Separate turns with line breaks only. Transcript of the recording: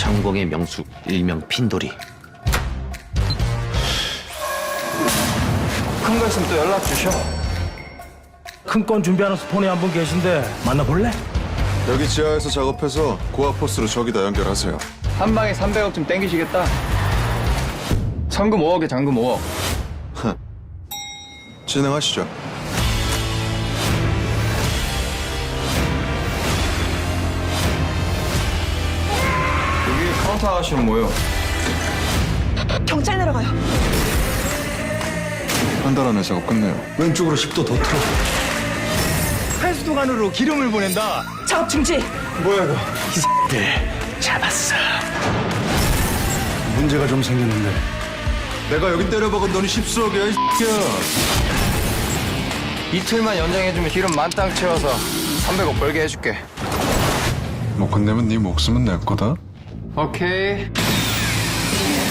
상공의 명수 일명 핀돌이.
큰 거 있으면 또 연락 주셔.
큰 건 준비하는 스폰이 한 분 계신데 만나볼래?
여기 지하에서 작업해서 고아포스로 저기다 연결하세요.
한 방에 300억 좀 땡기시겠다. 성금 5억에 잔금 5억.
진행하시죠.
여기 카운터 아가씨는 뭐예요?
경찰 내려가요.
한 달 안에 작업 끝내요.
왼쪽으로 10도 더 틀어. 해수도관으로 기름을 보낸다.
작업 중지.
뭐야 이거? 이 잡았어. 문제가 좀 생겼는데.
내가 여기 때려박은 돈이 10수억이야, 이 새끼야.
이틀만 연장해주면 기름 만땅 채워서 300억 벌게 해줄게.
못 끝내면 네 목숨은 내 거다.
오케이.